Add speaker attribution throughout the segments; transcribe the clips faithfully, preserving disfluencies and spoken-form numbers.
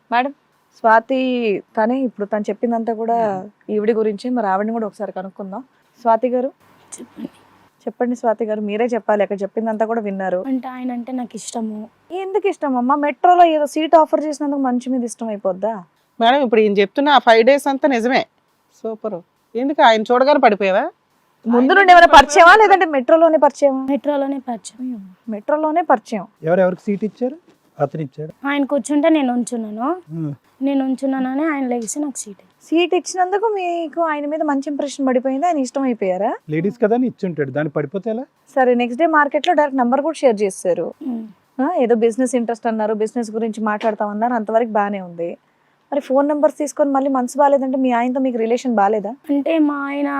Speaker 1: Madam Swathi తనే ఇప్పుడు తను చెప్పిందంతా కూడా ఈవిడి గురించి, మరి ఆవిడని కూడా ఒకసారి కనుక్కుందాం. స్వాతి గారు
Speaker 2: చెప్పండి.
Speaker 1: చెప్పండి. స్వాతి గారు మీరే చెప్పాలి, అక్కడ చెప్పిందంతా కూడా విన్నారు.
Speaker 2: అంటే ఆయన అంటే నాకు ఇష్టము.
Speaker 1: ఎందుకు ఇష్టం అమ్మా? మెట్రోలో ఏదో సీట్ ఆఫర్ చేసినందుకు మంచి మీద ఇష్టం అయిపోద్దా
Speaker 3: మేడం? ఇప్పుడు ఈయన చెప్తున్న ఆ ఫైవ్ డేస్ అంతా నిజమే. సూపర్. ఎందుకు ఆయన చూడగానే పడిపోయావా?
Speaker 1: ముందు నుండి ఏమైనా పరిచయమా లేదంటే మెట్రోలోనే పరిచయమా?
Speaker 2: మెట్రోలోనే పరిచయం.
Speaker 1: మెట్రోలోనే పరిచయం.
Speaker 4: ఎవరెవరికి సీట్ ఇచ్చారు? అతను ఇచ్చాడు.
Speaker 2: ఆయన కూర్చుంటే నేను ఉంచున్నాను, నేను ఉంచున్నానని ఆయన లేచి నాకు సీట్.
Speaker 1: సీట్ ఇచ్చినందుకు మీకు ఆయన మీద మంచి ఇంప్రెషన్ పడిపోయింది, ఆయన ఇష్టం అయిపోయారా?
Speaker 4: లేడీస్ కదా అని ఇచ్చుంటాడు, దాన్ని పడిపోతే ఎలా?
Speaker 1: సరే, నెక్స్ట్ డే మార్కెట్ లో డైరెక్ట్ నంబర్ కూడా షేర్ చేశారు. ఆ, ఏదో బిజినెస్ ఇంట్రెస్ట్ అన్నారు, బిజినెస్ గురించి మాట్లాడతామన్నారు, అంతవరకు బాగానే ఉంది. మరి ఫోన్ నెంబర్స్ తీసుకొని మళ్ళీ మనసు బాగాలేదంటే మీ ఆయనతో మీకు రిలేషన్ బాగాలేదా?
Speaker 2: అంటే మా ఆయన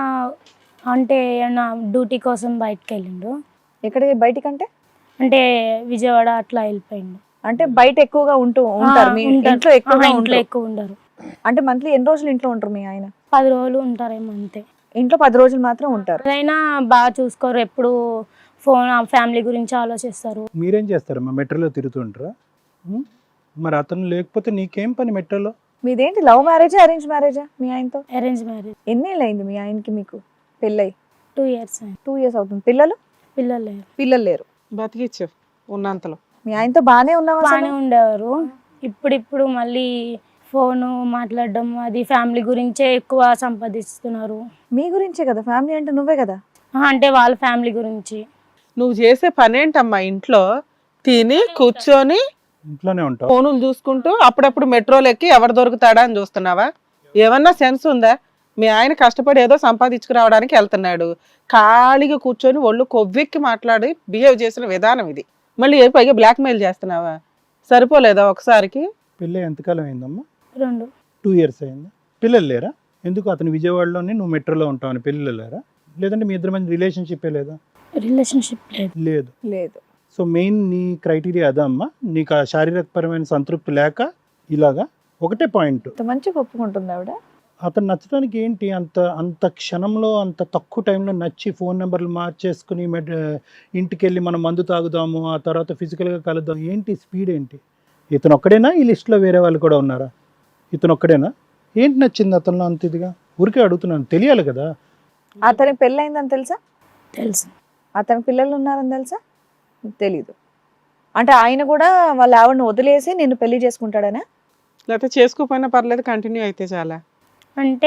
Speaker 2: అంటే నా డ్యూటీ కోసం బయటకు వెళ్ళిండు.
Speaker 1: ఎక్కడికి బయటికంటే?
Speaker 2: అంటే విజయవాడ అట్లా వెళ్ళిపోయిండు.
Speaker 1: అంటే బయట ఎక్కువగా ఉంటూ ఉంటారు, మీ ఇంట్లో ఎక్కువగా
Speaker 2: ఇంట్లో
Speaker 1: ఉంటారు.
Speaker 2: ఎక్కువ ఉండరు.
Speaker 1: అంటే మంత్లీ ఎన్ని రోజులు ఇంట్లో ఉంటారు మీ ఆయన?
Speaker 2: పది రోజులు ఉంటారేమో అంతే.
Speaker 1: ఇంట్లో పది రోజులు మాత్రం ఉంటారు.
Speaker 2: అదైనా బాగా చూసుకోరు, ఎప్పుడు ఫోన్ ఫ్యామిలీ గురించి ఆలోచిస్తారు.
Speaker 4: మీరేం చేస్తారమ్మా? మెట్రోలో తిరుగుతుంటారా? ఉం? మరి అతను లేకపోతే నీకేం పని మెట్రోలో?
Speaker 1: మీదేంటి లవ్ మ్యారేజా అరేంజ్ మ్యారేజా మీ ఆయనతో?
Speaker 2: Arrange marriage.
Speaker 1: ఎన్నేళ్ళు అయింది మీ ఆయనకి మీకు పెళ్ళై?
Speaker 2: టూ ఇయర్స్
Speaker 1: టూ ఇయర్స్ అవుతుంది. పిల్లలు?
Speaker 2: పిల్లలు లేరు.
Speaker 1: పిల్లలు లేరు.
Speaker 3: బతికిచ్చావు ఉన్నంతలో.
Speaker 1: మీ ఆయనతో బాగానే ఉన్నావా?
Speaker 2: బాగానే ఉండేవారు. ఇప్పుడిప్పుడు మళ్ళీ ఫోను మాట్లాడడం, అది ఫ్యామిలీ గురించే ఎక్కువ సంపాదిస్తున్నారు.
Speaker 1: మీ గురించే కదా, ఫ్యామిలీ అంటే నువ్వే కదా.
Speaker 2: ఆ, అంటే వాళ్ళ ఫ్యామిలీ గురించి.
Speaker 3: నువ్వు చేసే పని ఏంటమ్మా? ఇంట్లో తిని కూర్చొని
Speaker 4: ఇంట్లోనే ఉంటావు,
Speaker 3: ఫోనులు చూసుకుంటూ అప్పుడప్పుడు మెట్రోలు ఎక్కి ఎవరు దొరుకుతాడా అని చూస్తున్నావా? ఏమన్నా సెన్స్ ఉందా? మీ ఆయన కష్టపడి ఏదో సంపాదించుకురావడానికి వెళ్తున్నాడు, ఖాళీగా కూర్చొని ఒళ్ళు కొవ్వెక్కి మాట్లాడి బిహేవ్ చేసిన విధానం ఇది. మళ్ళీ ఏ పైగా బ్లాక్మెయిల్ చేస్తున్నావా? సరిపోలేదా ఒకసారికి?
Speaker 4: పెళ్ళి ఎంతకాలం అయిందమ్మా?
Speaker 2: రెండు
Speaker 4: టూ ఇయర్స్ అయిందా? పిల్లలు లేరా? ఎందుకు అతను విజయవాడలోనే నువ్వు మెట్రోలో ఉంటావని పిల్లలు లేరా? లేదంటే మీ ఇద్దరి మధ్య రిలేషన్షిప్ లేదా?
Speaker 2: రిలేషన్షిప్ లేదు.
Speaker 4: లేదు.
Speaker 1: లేదు.
Speaker 4: సో మెయిన్ నీ క్రైటీరియా అదా అమ్మా? నీకు ఆ శారీరకపరమైన సంతృప్తి లేక ఇలాగా ఒకటే పాయింట్.
Speaker 1: ఇంత మంచిగా ఒప్పుకుంటుంది ఆవిడ.
Speaker 4: అతను నచ్చడానికి ఏంటి అంత అంత క్షణంలో అంత తక్కువ టైంలో నచ్చి ఫోన్ నెంబర్లు మార్చేసుకుని మెడ్ ఇంటికి వెళ్ళి మనం మందు తాగుదాము, ఆ తర్వాత ఫిజికల్గా కలుద్దాం, ఏంటి స్పీడ్ ఏంటి? ఇతను ఒక్కడేనా? ఈ లిస్ట్లో వేరే వాళ్ళు కూడా ఉన్నారా? ఇతను ఒక్కడేనా? ఏంటి నచ్చింది అతనిలో అంత ఇదిగా? ఊరికే అడుగుతున్నాను, తెలియాలి కదా.
Speaker 1: అతనికి పెళ్ళయిందని తెలుసా?
Speaker 2: తెలుసు.
Speaker 1: అతనికి పిల్లలు ఉన్నారని తెలుసా? తెలీదు. అంటే ఆయన కూడా వాళ్ళ ఆవిడని వదిలేసి నిన్ను పెళ్లి చేసుకుంటాడనా?
Speaker 3: లేకపోతే చేసుకోపోయినా పర్లేదు, కంటిన్యూ అయితే చాలా.
Speaker 2: అంటే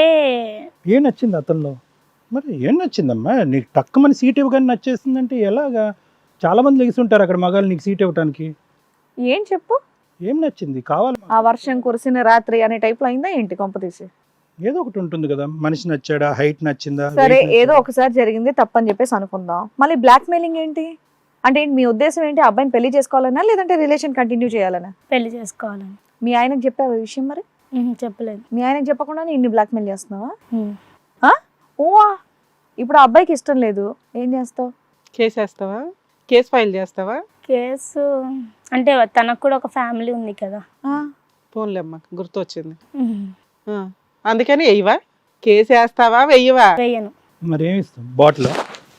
Speaker 4: ఏం నచ్చింది అతనిలో? మరి ఏం నచ్చిందమ్మా? నీకు తక్కువని సీట్ ఇవ్వగానే నచ్చేస్తుందంటే ఎలాగా? చాలామంది లెగిసి ఉంటారు అక్కడ మగాళ్ళు నీకు సీట్ ఇవ్వడానికి.
Speaker 1: ఏం చెప్పు,
Speaker 4: ఏం నచ్చింది? కావాలి.
Speaker 1: ఆ వర్షం కురిసిన రాత్రి అనే టైప్లో అయిందా ఏంటి కొంప తీసి?
Speaker 4: ఏదో ఒకటి ఉంటుంది కదా, మనిషి నచ్చాడా, హైట్ నచ్చిందా?
Speaker 1: సరే, ఏదో ఒకసారి జరిగింది తప్పని చెప్పేసి అనుకుందాం. మళ్ళీ బ్లాక్ మెయిలింగ్ ఏంటి? అంటే ఏంటి మీ ఉద్దేశం ఏంటి? అబ్బాయిని పెళ్లి చేసుకోవాలనా లేదంటే రిలేషన్ కంటిన్యూ చేయాలనా?
Speaker 2: పెళ్లి చేసుకోవాలని.
Speaker 1: మీ ఆయనకు చెప్పావు ఈ విషయం? మరి
Speaker 2: ఉహు, చెప్పలేదు.
Speaker 1: మీ ఆయనకు చెప్పకుండా ఇన్ని బ్లాక్మెయిల్ చేస్తున్నావా?
Speaker 2: ఉమ్.
Speaker 1: ఆ? ఓవా, ఇప్పుడు ఆ అబ్బాయికి ఇష్టం లేదు, ఏం చేస్తావు?
Speaker 3: కేసు వేస్తావా? కేసు ఫైల్ చేస్తావా?
Speaker 2: కేసు అంటే తనకు కూడా ఒక ఫ్యామిలీ ఉంది కదా.
Speaker 3: పోన్లేమ్మా, గుర్తొచ్చింది.
Speaker 2: ఉహు.
Speaker 3: ఆ, అందుకని వెయ్యవా? కేసు వేస్తావా వెయ్యవా?
Speaker 2: వేయను.
Speaker 4: మరి ఏమి ఇస్తాం? బాటిల్?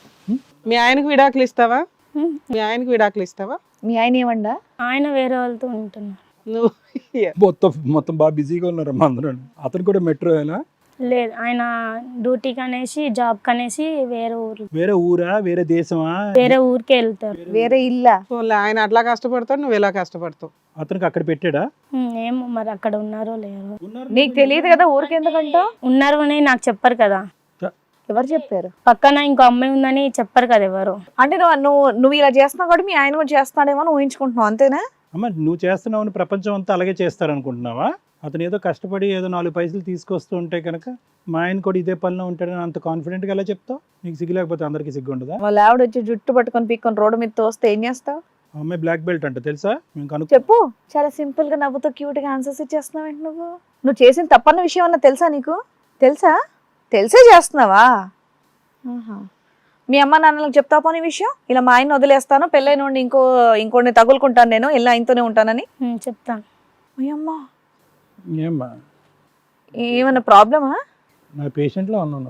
Speaker 3: మీ ఆయనకు విడాకులు ఇస్తావా?
Speaker 2: ఉమ్.
Speaker 3: మీ ఆయనకు విడాకులు ఇస్తావా?
Speaker 1: మీ ఆయన ఏమండా?
Speaker 2: ఆయన వేరే వాళ్ళతో ఉంటున్నారు.
Speaker 3: నువ్వు
Speaker 4: మొత్తం మొత్తం బాగా బిజీగా ఉన్నారమ్మా అందరూ. అతను కూడా మెట్రో అయినా?
Speaker 2: లేదు, ఆయన డ్యూటీకి అనేసి జాబ్ కనేసి వేరే ఊరు
Speaker 4: వేరే ఊరా, వేరే దేశమా?
Speaker 2: వేరే ఊరికి వెళ్తారు.
Speaker 1: వేరే ఇల్లా?
Speaker 3: పోన్లే, ఆయన అట్లా కష్టపడతావు, నువ్వు ఇలా కష్టపడతావు.
Speaker 4: అతనికి అక్కడ పెట్టాడా?
Speaker 2: ఉమ్, ఏమో మరి అక్కడ ఉన్నారో లేరో.
Speaker 1: నీకు తెలియదు కదా, ఊరికి ఎందుకంటావు?
Speaker 2: ఉన్నారు అని నాకు చెప్పరు కదా.
Speaker 1: ఎవరు చెప్పారు?
Speaker 2: పక్కన ఇంకో అమ్మాయి ఉందని చెప్పరు కదా ఎవరు.
Speaker 1: అంటే నువ్వు నువ్వు నువ్వు ఇలా చేస్తున్నావు కాబట్టి మీ ఆయన కూడా చేస్తున్నాడేమో అని ఊహించుకుంటున్నావు, అంతేనా?
Speaker 4: అమ్మ, నువ్వు చేస్తున్నావు ప్రపంచం అంతా అలాగే చేస్తారనుకుంటున్నావా? అతను ఏదో కష్టపడి ఏదో నాలుగు పైసలు తీసుకొస్తూ ఉంటే కనుక మా ఆయన కూడా ఇదే పనిలో ఉంటాడని అంత కాన్ఫిడెంట్గా ఎలా చెప్తావు? నీకు సిగ్గు లేకపోతే అందరికీ సిగ్గు ఉండదా?
Speaker 1: వాళ్ళ ఆవిడ వచ్చి జుట్టు పట్టుకొని పీక్కొని రోడ్డు మీద తోస్తే ఏం చేస్తావు?
Speaker 4: ఆ అమ్మాయి బ్లాక్ బెల్ట్ అంట, తెలుసా? మేము కనుక్కో.
Speaker 1: చెప్పు. చాలా సింపుల్ గా నవ్వుతూ క్యూట్ గా ఆన్సర్స్ ఇచ్చేస్తున్నావు ఏంటి నువ్వు? నువ్వు చేసిన తప్పన్న విషయం అన్న తెలుసా నీకు? తెలుసా? తెలిసే చేస్తున్నావా? ఆహా. మీ అమ్మ నాన్నలకు చెప్తావు పోనీ విషయం, ఇలా మా ఆయన వదిలేస్తాను, పెళ్ళైన వాడిని ఇంకో ఇంకోటిని తగులుకుంటాను, నేను ఇలా ఆయనతోనే ఉంటానని?
Speaker 2: ఉమ్, చెప్తాను.
Speaker 1: మీ అమ్మ
Speaker 4: ఏమ్మా,
Speaker 1: ఏమన్నా ప్రాబ్లమా?
Speaker 4: నా పేషెంట్లో ఉన్నాను,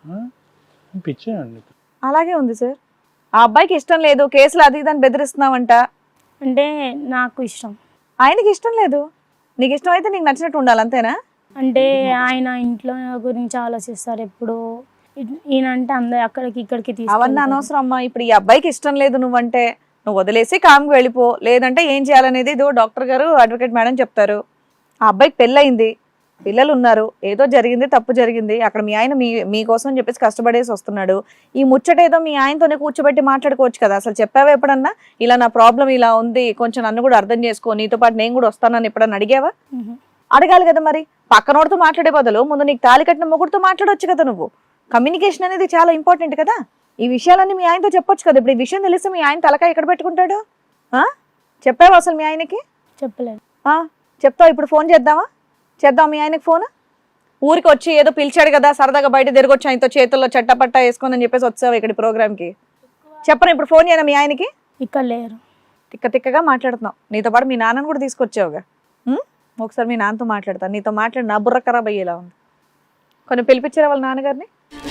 Speaker 4: పిచ్చేయండి.
Speaker 1: అలాగే ఉంది సార్. ఆ అబ్బాయికి ఇష్టం లేదు, కేసులు అది ఇదని బెదిరిస్తున్నావంట.
Speaker 2: అంటే నాకు ఇష్టం.
Speaker 1: ఆయనకి ఇష్టం లేదు, నీకు ఇష్టమైతే నీకు నచ్చినట్టు ఉండాలి అంతేనా?
Speaker 2: అంటే ఆయన ఇంట్లో గురించి ఆలోచిస్తారు ఎప్పుడు. ఈ- ఈయన అంటే అందరు అక్కడికి ఇక్కడికి
Speaker 1: అవన్నీ
Speaker 2: తీసుకెళ్తారు.
Speaker 1: అనవసరం అమ్మా. ఇప్పుడు ఈ అబ్బాయికి ఇష్టం లేదు నువ్వంటే, నువ్వు వదిలేసి కామ్కి వెళ్ళిపో. లేదంటే ఏం చేయాలనేది ఇదో డాక్టర్ గారు, అడ్వకేట్ మేడం చెప్తారు. ఆ అబ్బాయికి పెళ్ళయింది, పిల్లలు ఉన్నారు, ఏదో జరిగింది, తప్పు జరిగింది. అక్కడ మీ ఆయన మీ మీకోసం అని చెప్పేసి కష్టపడేసి వస్తున్నాడు. ఈ ముచ్చట ఏదో మీ ఆయనతోనే కూర్చోబెట్టి మాట్లాడుకోవచ్చు కదా. అసలు చెప్పావా ఎప్పుడన్నా ఇలా నా ప్రాబ్లం ఇలా ఉంది, కొంచెం నన్ను కూడా అర్థం చేసుకో, నీతో పాటు నేను కూడా వస్తానని ఎప్పుడన్నా అడిగావా?
Speaker 2: మ్మ్.
Speaker 1: అడగాలి కదా మరి. పక్కనోడితో మాట్లాడే బదులు ముందు నీకు తాళి కట్టిన మొగుడితో మాట్లాడొచ్చు కదా. నువ్వు కమ్యూనికేషన్ అనేది చాలా ఇంపార్టెంట్ కదా. ఈ విషయాలన్నీ మీ ఆయనతో చెప్పొచ్చు కదా. ఇప్పుడు ఈ విషయం తెలిస్తే మీ ఆయన తలకాయ ఎక్కడ పెట్టుకుంటాడు? ఆ చెప్పావా అసలు మీ ఆయనకి?
Speaker 2: చెప్పలేదు.
Speaker 1: ఆ చెప్తావు. ఇప్పుడు ఫోన్ చేద్దామా? చేద్దాం మీ ఆయనకి ఫోన్. ఊరికి వచ్చి ఏదో పిలిచాడు కదా, సరదాగా బయట తిరగొచ్చు ఆయనతో, చేతుల్లో చట్టపట్టా వేసుకొని అని చెప్పేసి వచ్చావు ఇక్కడ ప్రోగ్రామ్కి. చెప్పను ఇప్పుడు ఫోన్ చేయనా మీ ఆయనకి?
Speaker 2: ఇక్కడ లేరు.
Speaker 1: తిక్క తిక్కగా మాట్లాడుతున్నావు. నీతో పాటు మీ నాన్నని కూడా తీసుకొచ్చావుగా. ఉం? ఒకసారి మీ నాన్నతో మాట్లాడతాను. నీతో మాట్లాడి నా బుర్ర ఖరాబ్ అయ్యేలా ఉంది. కొన్ని పిలిపించారా వాళ్ళ నాన్నగారిని?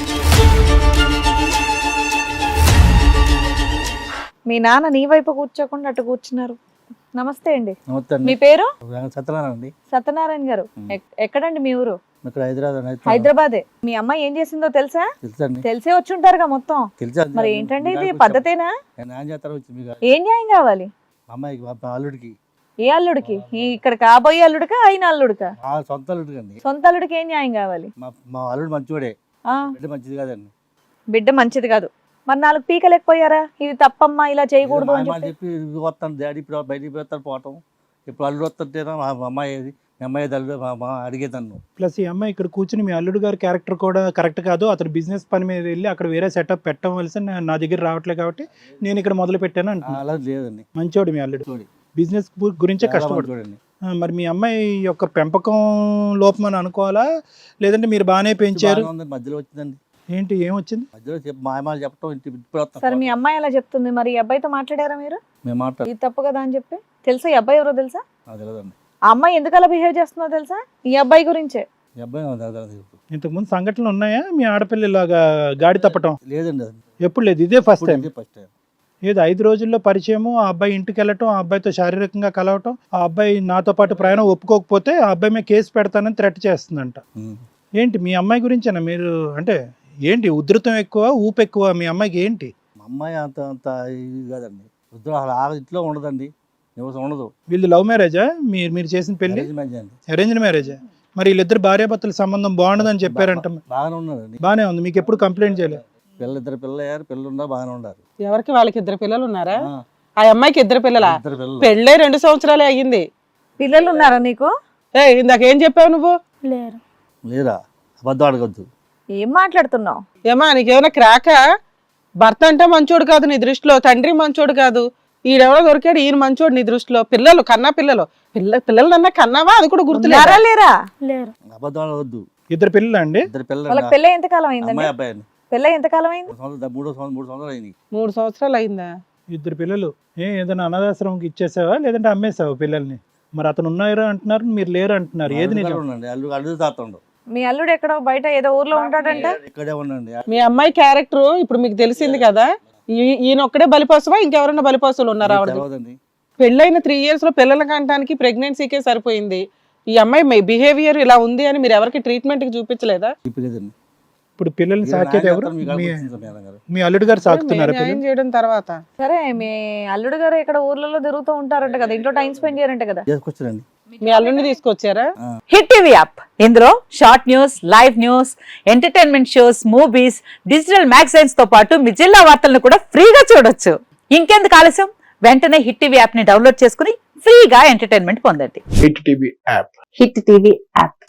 Speaker 1: మీ నాన్న నీ వైపు కూర్చోకుండా అటు కూర్చున్నారు. నమస్తే అండి. మీ పేరు?
Speaker 5: సత్యనారాయణ అండి.
Speaker 1: సత్యనారాయణ గారు. ఎక్- ఎక్కడండి మీ ఊరు?
Speaker 5: ఇక్కడ హైదరాబాద్
Speaker 1: హైదరాబాదే. మీ అమ్మాయి ఏం చేసిందో తెలుసా?
Speaker 5: తెలుసండి.
Speaker 1: తెలిసే వచ్చి ఉంటారుగా మొత్తం.
Speaker 5: తెలుసా?
Speaker 1: మరి ఏంటండి ఇది పద్ధతేనా?
Speaker 5: న్యాయం చేస్తారు వచ్చి మీకు
Speaker 1: ఏం న్యాయం కావాలి?
Speaker 5: మా అమ్మాయికి మా మా అల్లుడికి
Speaker 1: ఏ అల్లుడికి? ఈ ఇక్కడ కాబోయే అల్లుడికా అయిన అల్లుడికా?
Speaker 5: మా సొంత అల్లుడికి అండి.
Speaker 1: సొంత అల్లుడికి ఏం న్యాయం కావాలి?
Speaker 5: మా మా అల్లుడు మంచివాడే,
Speaker 1: ఆ
Speaker 5: బిడ్డ మంచిది కాదండి.
Speaker 1: బిడ్డ మంచిది కాదు. మరి నాలుగు పీకలేకపోయారా? ఇది తప్పమ్మా, ఇలా చేయకూడదు అని
Speaker 5: మా
Speaker 1: చెప్పి.
Speaker 5: చెప్పి ఇది వస్తాను డాడీ ఇప్పుడు బయటికి పోతాను పోవటం. ఇప్పుడు అల్లుడు వస్తుంటేనా మా మా అమ్మాయి ఏది మీ అమ్మాయి అల్లుడు మా మా అడిగేదాన్ని.
Speaker 4: ప్లస్ ఈ అమ్మాయి ఇక్కడ కూర్చుని మీ అల్లుడు గారి క్యారెక్టర్ కూడా కరెక్ట్ కాదు, అతను బిజినెస్ పని మీద వెళ్ళి అక్కడ వేరే సెటప్ పెట్టవలసి నా- నా దగ్గర రావట్లేదు కాబట్టి నేను ఇక్కడ మొదలు పెట్టాను అంటున్నాను.
Speaker 5: అలా లేదండి.
Speaker 4: మంచోడు మీ అల్లుడు,
Speaker 5: చూడి
Speaker 4: బిజినెస్ గురించే కష్టపడు.
Speaker 5: చూడండి
Speaker 4: ఆ, మరి మీ అమ్మాయి యొక్క పెంపకం లోపం అని అనుకోవాలా, లేదంటే మీరు బాగానే పెంచారు?
Speaker 5: మధ్యలో వచ్చిందండి.
Speaker 4: ఏంటి ఏమొచ్చింది?
Speaker 5: మధ్యలో చెప్పి మా అమ్మాయి చెప్పడం ఇంటి ఇప్పుడు
Speaker 1: సరే
Speaker 5: వస్తాను
Speaker 1: మీ అమ్మాయి అలా చెప్తుంది, మరి ఈ అబ్బాయితో మాట్లాడారా మీరు?
Speaker 5: మేము మాట్లాడు
Speaker 1: ఇది తప్పు కదా అని చెప్పి. తెలుసా ఈ అబ్బాయి ఎవరో తెలుసా?
Speaker 5: నాకు తెలియదండి.
Speaker 1: ఆ అమ్మాయి ఎందుకు అలా బిహేవ్ చేస్తుందో తెలుసా? ఈ అబ్బాయి గురించే.
Speaker 5: ఈ అబ్బాయి నాకు తెలియదు.
Speaker 4: ఇంతకుముందు సంఘటనలు ఉన్నాయా మీ ఆడపిల్ల ఇలాగా గాడి తప్పటం?
Speaker 5: లేదండి అది
Speaker 4: ఎప్పుడు లేదు, ఇదే ఫస్ట్ టైం.
Speaker 5: First time.
Speaker 4: ఏదో ఐదు రోజుల్లో పరిచయము, ఆ అబ్బాయి ఇంటికి వెళ్ళటం, ఆ అబ్బాయితో శారీరకంగా కలవటం, ఆ అబ్బాయి నాతో పాటు ప్రయాణం ఒప్పుకోకపోతే ఆ అబ్బాయి మీద కేసు పెడతానని థ్రెట్ చేస్తుందంట. ఏంటి మీ అమ్మాయి గురించేనా మీరు? అంటే ఏంటి ఉధృతం ఎక్కువ, ఊపు ఎక్కువ మీ అమ్మాయికి ఏంటి?
Speaker 5: మా అమ్మాయి అంత అంత ఇది కాదండి. వద్దు అసలు ఆ ఇంట్లో ఉండదండి, నివసం ఉండదు.
Speaker 4: వీళ్ళు లవ్ మ్యారేజా? మీరు మీరు చేసిన పెళ్లి
Speaker 5: Arrange marriage అండి.
Speaker 4: అరేంజ్డ్ మ్యారేజా? మరి వీళ్ళిద్దరు భార్యాభర్తల సంబంధం బాగుండదని చెప్పారంట.
Speaker 5: బాగానే ఉన్నదండి.
Speaker 4: బానే ఉంది, మీకు ఎప్పుడు కంప్లైంట్ చేయలేదు?
Speaker 5: పిల్ల ఇద్దరు పిల్లలు అయ్యారు, పిల్లలు ఉన్నారు, బాగానే ఉన్నారు.
Speaker 3: ఎవరికి? వాళ్ళకి ఇద్దరు పిల్లలు ఉన్నారా?
Speaker 5: ఆ,
Speaker 3: ఆ అమ్మాయికి ఇద్దరు పిల్లలా?
Speaker 5: ఇద్దరు పిల్లలు.
Speaker 3: పెళ్ళే రెండు సంవత్సరాలే అయ్యింది.
Speaker 1: పిల్లలు ఉన్నారా నీకు?
Speaker 3: ఏ ఇందాక ఏం చెప్పావు నువ్వు?
Speaker 2: లేరు.
Speaker 5: లేరా? అబద్ధం అడగద్దు.
Speaker 1: ఏం మాట్లాడుతున్నావు?
Speaker 3: ఏమా నీకేమైనా క్రాక? భర్త అంటే మంచోడు కాదు నీ దృష్టిలో, తండ్రి మంచోడు కాదు, ఈడెవడో దొరికాడు ఈయన మంచోడు నీ దృష్టిలో. పిల్లలు కన్నా పిల్లలు పిల్ల పిల్లలన్నా కన్నావా? అది కూడా గుర్తులేరా?
Speaker 1: ఉన్నారా లేరా?
Speaker 2: లేరు.
Speaker 5: అబద్ధం అడగద్దు.
Speaker 4: ఇద్దరు పిల్లలు అండి?
Speaker 5: ఇద్దరు పిల్లలు.
Speaker 1: వాళ్ళకి పెళ్ళి ఎంతకాలం అయిందండి?
Speaker 5: అమ్మాయి అబ్బాయి అండి.
Speaker 1: పెళ్ళి ఎంతకాలం అయింది?
Speaker 5: మూడు సంవత్సరాలు మూడో సంవత్సరం మూడు సంవత్సరాలు అయింది.
Speaker 3: మూడు సంవత్సరాలు అయిందా?
Speaker 4: ఇద్దరు పిల్లలు. ఏ ఏదైనా అనాథాశ్రమంకి ఇచ్చేసావా లేదంటే అమ్మేసావా పిల్లల్ని? మరి అతను ఉన్నారా అంటున్నారు, మీరు లేరు అంటున్నారు, ఏది నిజం?
Speaker 5: ఉండండి అల్లు అల్లు తాతుండు.
Speaker 1: మీ అల్లుడు ఎక్కడో బయట ఏదో ఊర్లో ఉంటాడంట.
Speaker 5: ఇక్కడే ఉండండి.
Speaker 3: మీ అమ్మాయి క్యారెక్టర్ ఇప్పుడు మీకు తెలిసింది కదా. ఈ- ఈయన ఒక్కడే బలిపశువా ఇంకెవరైనా బలిపశువులు ఉన్నారా? ఆవిడ
Speaker 5: తెలియదండి.
Speaker 3: పెళ్ళైన త్రీ ఇయర్స్ లో పిల్లల కంటానికి ప్రెగ్నెన్సీకే సరిపోయింది. ఈ అమ్మాయి బిహేవియర్ ఇలా ఉంది అని మీరు ఎవరికి ట్రీట్మెంట్ కి చూపించలేదా?
Speaker 5: చెప్పలేదండి.
Speaker 4: ఇప్పుడు పిల్లల్ని సాకేది ఎవరు?
Speaker 5: మీకు
Speaker 4: మీ
Speaker 5: అనిపిస్తుంది మేడం గారు.
Speaker 4: మీ అల్లుడు గారు సాకుతున్నారా
Speaker 3: న్యాయం
Speaker 4: పిల్లలు?
Speaker 3: చేయడం తర్వాత
Speaker 1: సరే మీ అల్లుడు గారు ఇక్కడ ఊర్లలో తిరుగుతూ ఉంటారంట కదా, ఇంట్లో టైం స్పెండ్ చేయరంట కదా.
Speaker 5: చేసుకొచ్చారండి.
Speaker 3: మీ అల్లుడిని తీసుకొచ్చారా?
Speaker 6: హిట్ టీవీ యాప్ ఇందులో short news, live news, entertainment shows, movies, digital magazines తో పాటు మీ జిల్లా వార్తలను కూడా ఫ్రీగా చూడొచ్చు. ఇంకెందుకు ఆలస్యం, వెంటనే హిట్ టీవీ యాప్ ని డౌన్లోడ్ చేసుకుని ఫ్రీగా ఎంటర్టైన్మెంట్ పొందండి.
Speaker 7: Hit TV app
Speaker 6: Hit TV app.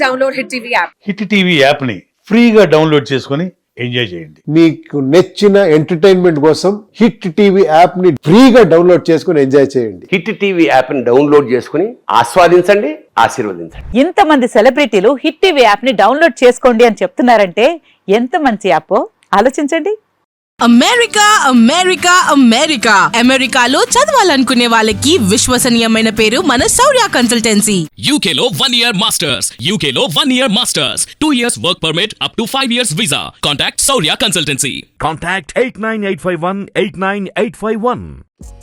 Speaker 7: Hit TV app ని ఫ్రీగా డౌన్లోడ్ చేసుకొని ఎంజాయ్ చేయండి.
Speaker 8: మీకు నచ్చిన ఎంటర్టైన్మెంట్ కోసం హిట్ టీవీ యాప్ ని ఫ్రీగా డౌన్లోడ్ చేసుకుని ఎంజాయ్ చేయండి.
Speaker 9: హిట్ టీవీ యాప్ ని డౌన్లోడ్ చేసుకుని ఆస్వాదించండి, ఆశీర్వదించండి.
Speaker 6: ఇంతమంది సెలబ్రిటీలు హిట్ టీవీ యాప్ ని డౌన్లోడ్ చేసుకోండి అని చెప్తున్నారంటే ఎంత మంచి యాప్ ఆలోచించండి.
Speaker 10: అమెరికా అమెరికా అమెరికా అమెరికాలో చదవాలనుకునే వాళ్ళకి విశ్వసనీయమైన పేరు మన శౌర్య కన్సల్టెన్సీ.
Speaker 11: U K లో one year masters, U K లో one year masters, two years work permit up to five years visa. Contact Saurya Consultancy.
Speaker 12: Contact eight nine eight five one eight nine eight five one.